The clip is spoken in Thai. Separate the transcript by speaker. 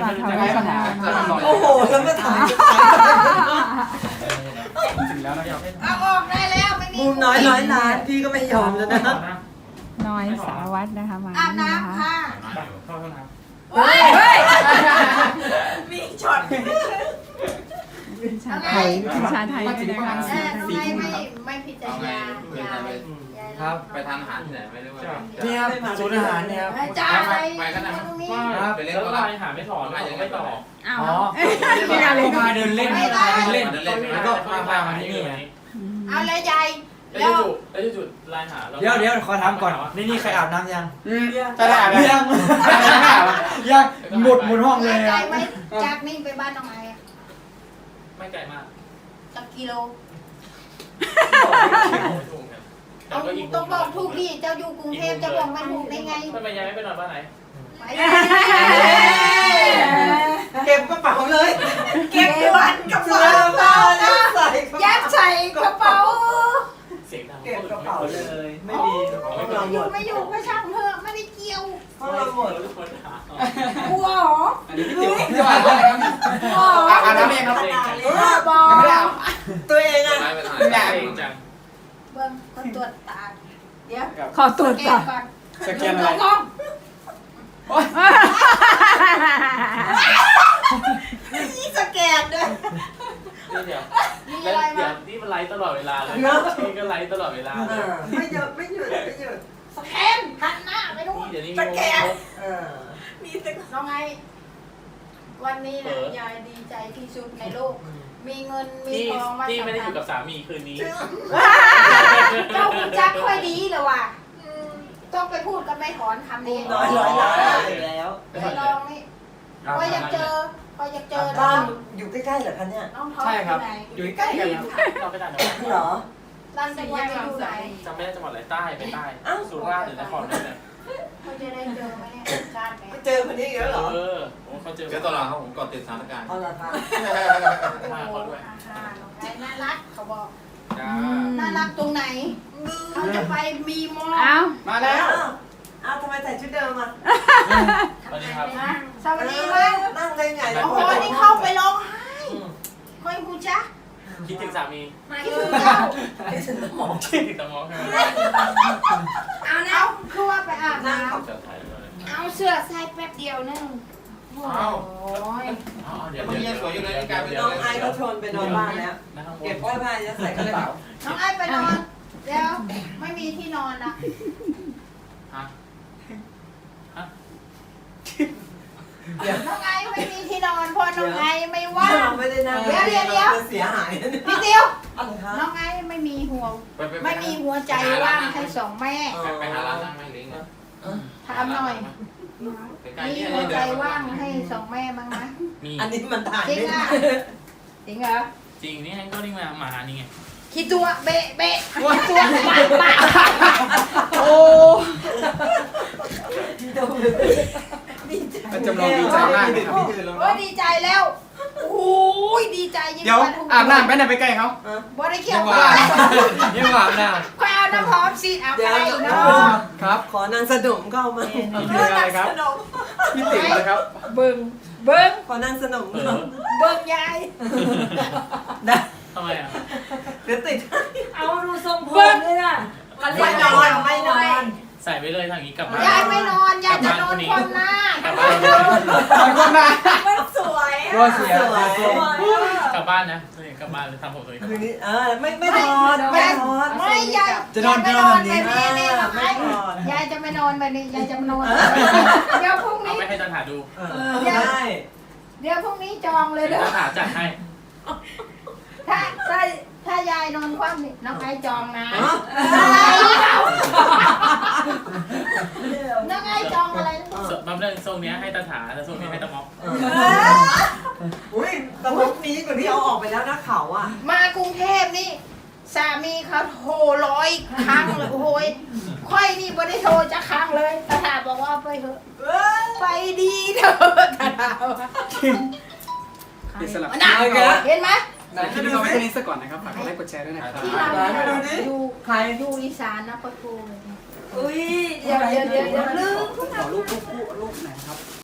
Speaker 1: มาทำให้สนาม
Speaker 2: โอ้โหแล้วมาถ่าย
Speaker 3: ถึงแล้วนะครับ
Speaker 4: เอาออกได้แล้วไม่มี
Speaker 2: มุมน้อยร้อยล้านพี่ก็ไม่ยอมแล้วนะ
Speaker 1: น้อยสารวัตรนะคะมา
Speaker 4: อาบ
Speaker 1: นี่นะคะ
Speaker 4: น้ำค่ะ
Speaker 3: เข้าห้องน้ำ
Speaker 4: เฮ้ย
Speaker 2: มีช็อต
Speaker 1: คุณชาไทยคุณชาไทยด้วยนะคะ
Speaker 4: ทำไมไม่พิจารณายาย
Speaker 5: ครับ ไปทานอาหารที่ไหนไม่รู้ว่า
Speaker 3: นี่ครับศูนย์อาหารเนี่ยครับ
Speaker 4: จ่าย
Speaker 5: ไปก็ได้
Speaker 4: ตรงนี้
Speaker 5: ไปเล่น
Speaker 3: แล้ว
Speaker 5: ก็
Speaker 3: ไล
Speaker 5: ได้
Speaker 3: น์หาไม่ถอนไม่ต่อ
Speaker 1: อ้าว
Speaker 3: อ๋อมาเดินเล่นมาเดินเล่นแล้วก็มาที่นี่ไง
Speaker 4: เอาเลยยาย
Speaker 3: แล้วจุดไลน์หาเดี๋ยวขอถามก่อนนี่ใครอาบน้ำยังจะได้อาบยังหมุนห้องเลย
Speaker 4: ยายไม่จากนี่ไปบ้านน้องไอ้
Speaker 3: ไม่ไกลมาก
Speaker 4: สักกิโล
Speaker 3: ต้อง
Speaker 4: ต้องบอกถูกดิเจ้าอยู่กรุงเทพจะบอกไม่ถูกได้ไง
Speaker 3: ทำไมยายไม่ไปนอนบ้านไหน
Speaker 2: เก็บกระเป๋าเลย
Speaker 4: เก็บด่วนกระเป๋ายัดใส่กระเป๋า
Speaker 3: เสียงดัง
Speaker 2: เก็บกระเป๋าเลยไม่มี
Speaker 4: อยู่ไม่อยู่ก็ช่างเถอะไม่ได้เกี่ยว
Speaker 2: ห้องเราหมด
Speaker 3: ทุกคนหาก
Speaker 4: ลัวเหรอ
Speaker 3: อันนี้พี่ติ๋วจะอาบน้ำเองครับ
Speaker 4: บอก
Speaker 3: ยังไม่ได้อาบ
Speaker 2: ตัวเองอ่ะ
Speaker 5: ไปทาน
Speaker 3: ไม่ได้เองจัง
Speaker 4: เบิ้งคนตรวจตาเดี๋ยว
Speaker 1: ขอตรวจ
Speaker 4: แก
Speaker 1: ก่อน
Speaker 4: ก่อน
Speaker 3: สแกนอะไร
Speaker 4: กล้อง นี่สแกนด้วย
Speaker 3: เดี๋ยว
Speaker 4: มี
Speaker 3: แล้
Speaker 4: อะ
Speaker 3: ว
Speaker 4: ไร
Speaker 3: เดี๋ย
Speaker 4: มาว
Speaker 3: นี่มันไลฟ์ตลอดเวลาเลยนี่ก็ไลฟ์ตลอดเวลาเลย
Speaker 2: ไม่หยุดไม่หยุดไม่หยุด
Speaker 4: สแกนหันหน้าไปนู่น
Speaker 3: นี่เดี๋ยวนี้
Speaker 4: สแกน
Speaker 2: เออ
Speaker 4: มีแต่น้องไงวันนี้นะยายดีใจที่สุดในโลก มีเงินมี
Speaker 3: ที่
Speaker 4: ทองมา
Speaker 3: ที่ไม่ได้อ
Speaker 4: สำคัญ
Speaker 3: ยู่กับสามีคืนนี้
Speaker 4: เจ้าคุณจักค่อยดีเลยว่ะต้องไปพูดกับแม่ถอนคำนี้
Speaker 2: น้อยร้อยล้านอีกแล้ว
Speaker 4: ไปลองนี่ก็อยากเจอก็อยากเจอน้
Speaker 2: บ้า
Speaker 4: อน ง
Speaker 2: อยู่ใกล้ๆเหรอคะเนี่ย
Speaker 4: น้องท้อง
Speaker 3: ใช่ครับ
Speaker 4: ที่ไหน
Speaker 3: อยู่ใกล้กันครับเราไปต่างจังหวัด
Speaker 2: เหรอ
Speaker 4: รันจังหวัดจะอยู่ไหน
Speaker 3: จำไม่ได้จังหวัดอะไรใต้ไปใต้สุราษฎร์หรือนครนี่แหละ
Speaker 4: เขาจะได้เจอไหมเนี่ยชาติไหม
Speaker 2: ไปเจอคนนี้เยอะเหรอ
Speaker 3: โอ้เขาเจอ
Speaker 5: เดี๋ยวตลอดครับผมกดติดสถานการณ์
Speaker 2: เอาละค่ะ
Speaker 3: มาเขาด้วย
Speaker 4: น้องไงน่ารักเขาบอก
Speaker 3: จ้า
Speaker 4: น่ารักตรงไหน เขาจะไปมีมอ
Speaker 1: อ้าว
Speaker 3: มาแล้ว
Speaker 2: อ้าวทำไมใส่ชุดเดิมอ่ะ
Speaker 3: สวัสดีครับ
Speaker 4: สวัสดีครับ
Speaker 2: นั่งได้ไง
Speaker 4: โอ้โหนี่เข้าไปร้องไห้คอยกูจ๊ะ
Speaker 3: คิดถึงสามี
Speaker 4: คิดถึงเจ้า
Speaker 2: ให้ฉันสมอง
Speaker 3: คิดถึงตะมองใช่ไหม
Speaker 4: เอานะคือว่าไปอาบน้
Speaker 3: เจอไทยเลย
Speaker 4: ำเอาเสื้อใส่แป๊บเดียวนึงโอ้ย
Speaker 3: เดี๋ยว
Speaker 5: มันยังสวยอยู่เลยกลายเป็น
Speaker 2: น้องไอเขาชวนไปนอนบ้านแล้ว
Speaker 3: นะครับ
Speaker 2: เก็บเสื้อผ้าจะใส่กระเป๋า
Speaker 4: น้องไอ้ไปนอนเดี๋ยวไม่มีที่นอนนะ
Speaker 3: ฮะ
Speaker 4: น้องไอ้ไม่มีที่นอนเพราะน้องไอ้ไม่ว่าง
Speaker 2: ไม่ได้นั่งเสียหาย
Speaker 4: พี่เดียว
Speaker 2: อะไรคะ
Speaker 4: น้องไอ้ไม่มีหัว
Speaker 5: ไป
Speaker 4: ไม่มีหัวใจว่างให้สองแม่
Speaker 5: ไปหาร้านนั่งไม่ลิงก์
Speaker 4: ถามหน่อย
Speaker 5: ใกล้
Speaker 4: มี
Speaker 5: ๆนี่
Speaker 4: หัว
Speaker 5: เดิ
Speaker 4: ใจ
Speaker 5: น
Speaker 4: ว่างให้สองแม่บ้างไหม
Speaker 3: มี
Speaker 2: อันนี้มันถ่าย
Speaker 4: จริง
Speaker 2: ไม่ได้
Speaker 4: อ่ะจริงเหรอ
Speaker 3: จริงนี่ให้ก็นี่มาหานี่ไง
Speaker 4: คิดตัวเบะเบะคิดตัวปะปะ
Speaker 1: โอ้
Speaker 2: จำลองดีใจมากเลยครับ
Speaker 4: โอ้ยดีใจแล้วโอ้ยดีใจยิ่ง
Speaker 3: เดี๋ยว
Speaker 4: กว่าถูก
Speaker 3: อาบน้ำไปไหนไปใกล้เขา
Speaker 4: บ่ได้เกี่ยว
Speaker 3: ยัง
Speaker 4: กับ
Speaker 3: ว่ายังว่าอาบน้
Speaker 4: ควายเอาน้ำหอมสีอาบ
Speaker 2: เดี๋ยว
Speaker 4: ไปเนาะ
Speaker 3: ำครับ
Speaker 2: ขอนางสนมก็เอามา
Speaker 3: นี่คืออะไรครับพี่ติ๋วนะครับ
Speaker 4: เบิ่งเบิ่ง
Speaker 2: ขอนางสนม
Speaker 3: เอ
Speaker 2: ก็
Speaker 3: อ
Speaker 4: เบิ่งยาย
Speaker 2: ได้
Speaker 3: ทำไมอ่ะ
Speaker 2: เดี๋ยวติด
Speaker 6: เอาดูทรงผมเลยน่ะ
Speaker 2: ไม่นอนไม่นอน
Speaker 3: ใส่ไปเลยทางนี้กลับบ้าน
Speaker 4: ยายไม่นอนยายจะนอนคว่ำหน้าก
Speaker 3: ลับบ้านคนมา
Speaker 6: มันสวย
Speaker 3: ตัวเสีย
Speaker 6: สวย
Speaker 3: กลับบ้านนะกลับบ้านเลยทำผมตัวเอง
Speaker 2: คืนนี้ไม่นอนไม่นอน
Speaker 4: ไม่ยาย
Speaker 3: จะนอน
Speaker 4: ไม่นอน
Speaker 3: จะนอนแบบนี้
Speaker 4: แบบนี้นี่หรอก
Speaker 2: ไม่
Speaker 4: ไอ้
Speaker 2: นอน
Speaker 4: ยายจะไม่นอนแบบนี้ยายจะมานอนเดี๋ยวพรุ่ง
Speaker 3: เอา
Speaker 4: นี้
Speaker 3: ไปให้ตันหาดู
Speaker 2: ได้
Speaker 4: เดี๋ยวพรุ่งนี้จองเลยเด้อ
Speaker 3: ตันหาจัดให้
Speaker 4: ถ้าถ้ายายนอนคว่ำนี่น้องไอ้จองนะน้องไอ้จองอะไร
Speaker 3: บำเพ็ญทรงนี้ให้ตันหาแต่ทรงนี้ให้ตะม็อก
Speaker 2: อุ้ยตะมุกนี้กว่าที่เอาออกไปแล้วนะเขาอ่ะ
Speaker 4: มากรุงเทพนี่สามีเขาโทร100 ครั้งเลยโอ้โหยค่อยนี่ไม่ได้โทรจะครั้งเลยตาถาบอกว่าไปเถอะไปดีเถอะตาถาว่า
Speaker 3: อิสระ
Speaker 4: น่ะเห็นไหม
Speaker 3: คลิปนี้เราไว้แค่นี้ซะก่อนนะครับฝากกดไลค์กดแชร์ด้วยนะครับ
Speaker 4: ที่เราอยู่อีสานนะก็โทรเลย
Speaker 6: อุ้ย
Speaker 4: เดี๋ยวลืม
Speaker 3: ขอรูปไหนครับ